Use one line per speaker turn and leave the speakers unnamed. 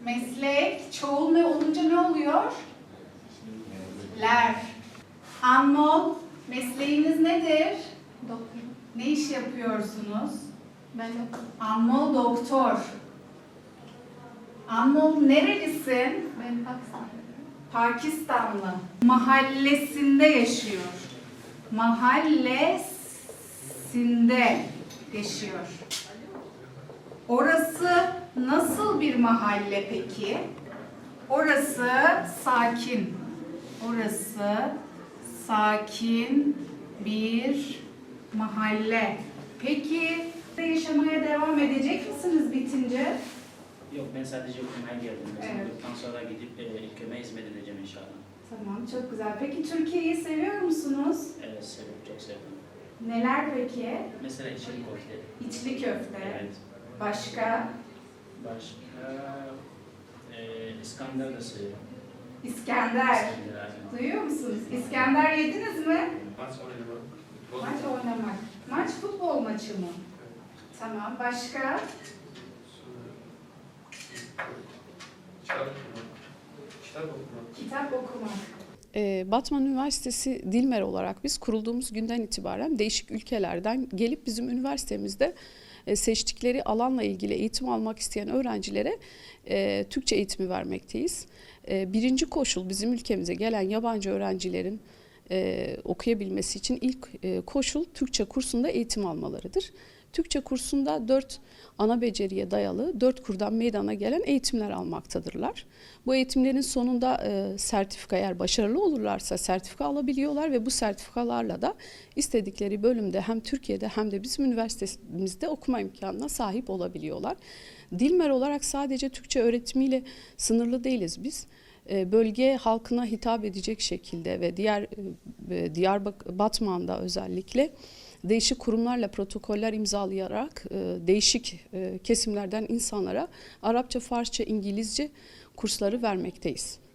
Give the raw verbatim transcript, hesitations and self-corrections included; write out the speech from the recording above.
Meslek, çoğul ne olunca ne oluyor? Ler. Anmol, mesleğiniz nedir?
Doktor.
Ne iş yapıyorsunuz?
Ben doktor.
Anmol doktor. Anmol nerelisin?
Ben Pakistanlıyım.
Pakistanlı. Mahallesinde yaşıyor. Mahallesinde yaşıyor. Orası nasıl bir mahalle peki? Orası sakin. Orası sakin bir mahalle. Peki yaşamaya devam edecek misiniz bitince?
Yok, ben sadece okumaya geldim.
Evet.
Olduktan sonra gidip e, ülkeme hizmet edeceğim inşallah.
Tamam, çok güzel. Peki Türkiye'yi seviyor musunuz?
Evet, seviyorum, çok seviyorum.
Neler peki?
Mesela içli köfte.
İçli köfte.
Evet.
Başka?
Başka e, İskender de seviyorum.
İskender.
İskender, aynen.
Duyuyor musunuz? İskender yediniz mi?
Maç oynamak.
Maç oynamak. Maç futbol maçı mı? Tamam. Başka?
Kitap okumak. Kitap okumak.
Kitap okumak.
Ee, Batman Üniversitesi Dilmer olarak biz kurulduğumuz günden itibaren değişik ülkelerden gelip bizim üniversitemizde e, seçtikleri alanla ilgili eğitim almak isteyen öğrencilere e, Türkçe eğitimi vermekteyiz. E, birinci koşul bizim ülkemize gelen yabancı öğrencilerin e, okuyabilmesi için ilk e, koşul Türkçe kursunda eğitim almalarıdır. Türkçe kursunda dört ana beceriye dayalı dört kurdan meydana gelen eğitimler almaktadırlar. Bu eğitimlerin sonunda e, sertifika, eğer başarılı olurlarsa sertifika alabiliyorlar ve bu sertifikalarla da istedikleri bölümde hem Türkiye'de hem de bizim üniversitemizde okuma imkanına sahip olabiliyorlar. Dilmer olarak sadece Türkçe öğretimiyle sınırlı değiliz biz. E, bölge halkına hitap edecek şekilde ve diğer e, Diyarbakır, Batman'da özellikle değişik kurumlarla protokoller imzalayarak e, değişik e, kesimlerden insanlara Arapça, Farsça, İngilizce kursları vermekteyiz.